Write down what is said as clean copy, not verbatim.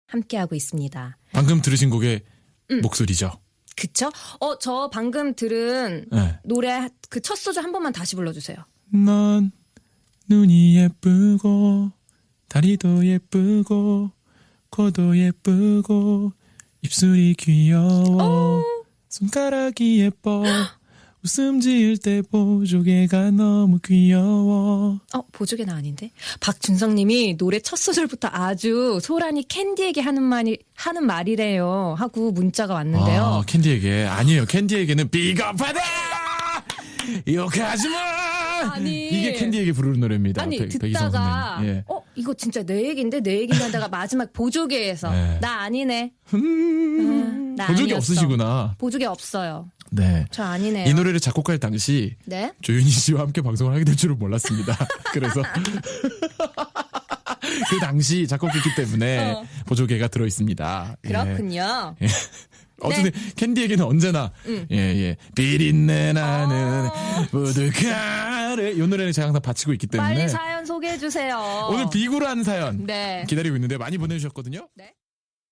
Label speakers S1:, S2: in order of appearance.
S1: 함께하고 있습니다.
S2: 방금 들으신 곡의 목소리죠.
S1: 그쵸? 저 방금 들은
S2: 네.
S1: 노래 그 첫 소절 한 번만 다시 불러주세요.
S2: 넌 눈이 예쁘고 다리도 예쁘고 코도 예쁘고 입술이 귀여워 손가락이 예뻐 웃음 지을 때 보조개가 너무 귀여워.
S1: 보조개는 아닌데? 박준성님이 노래 첫 소절부터 아주 소란이 캔디에게 하는 말이래요 하고 문자가 왔는데요.
S2: 캔디에게 아니에요. 캔디에게는 비겁하다 욕하지마.
S1: 아니
S2: 이게 캔디에게 부르는 노래입니다.
S1: 아니
S2: 백이성
S1: 듣다가
S2: 선배님. 예.
S1: 이거 진짜 내 얘긴데 내 얘기만 하다가 마지막 보조개에서
S2: 네.
S1: 나 아니네. 나
S2: 보조개
S1: 아니었어.
S2: 없으시구나.
S1: 보조개 없어요.
S2: 네.
S1: 저 아니네요.
S2: 이 노래를 작곡할 당시
S1: 네?
S2: 조윤희 씨와 함께 방송을 하게 될 줄은 몰랐습니다. 그래서 그 당시 작곡했기 때문에 보조개가 들어 있습니다.
S1: 그렇군요.
S2: 예. 어쨌든 캔디에게는 언제나 비린내 나는 보드카를 이 노래를 제가 항상 바치고 있기 때문에
S1: 빨리 사연 소개해 주세요.
S2: 오늘 비굴한 사연
S1: 네.
S2: 기다리고 있는데 많이 보내주셨거든요.
S1: 네.